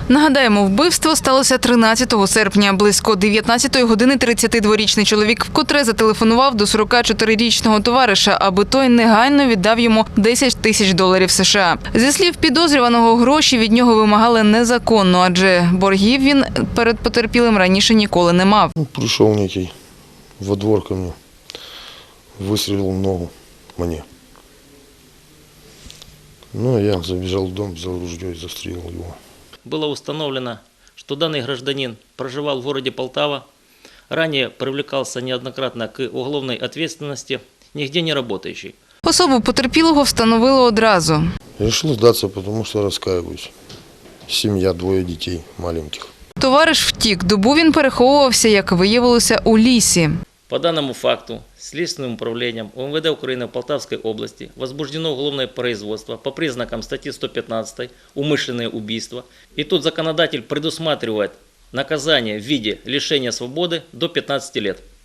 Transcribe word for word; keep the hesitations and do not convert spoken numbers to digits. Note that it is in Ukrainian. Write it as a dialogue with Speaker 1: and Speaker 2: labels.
Speaker 1: Нагадаємо, вбивство сталося тринадцятого серпня. Близько дев'ятнадцятої години тридцятидворічний чоловік вкотре зателефонував до сорокачотирирічного товариша, аби той негайно віддав йому десять тисяч доларів США. Зі слів підозрюваного, гроші від нього вимагали незаконно, адже боргів він перед потерпілим раніше ніколи не мав.
Speaker 2: Прийшов некий во двор ко мне, вистрілив в ногу мені. Ну, я забежал в дом, взял ружье и застрелил его.
Speaker 3: Было установлено, что данный гражданин проживал в городе Полтава, ранее привлекался неоднократно к уголовной ответственности, нигде не работающий.
Speaker 1: Особу потерпілого встановили одразу.
Speaker 2: Решил сдаться, потому что раскаиваюсь. Семья, двое детей маленьких.
Speaker 1: Товариш втік. Добу він переховувався, як виявилося, у лісі.
Speaker 3: По данному факту Следственным управлением УМВД Украины в Полтавской области возбуждено уголовное производство по признакам статьи сто пятнадцать «Умышленное убийство». И тут законодатель предусматривает наказание в виде лишения свободы до пятнадцати лет.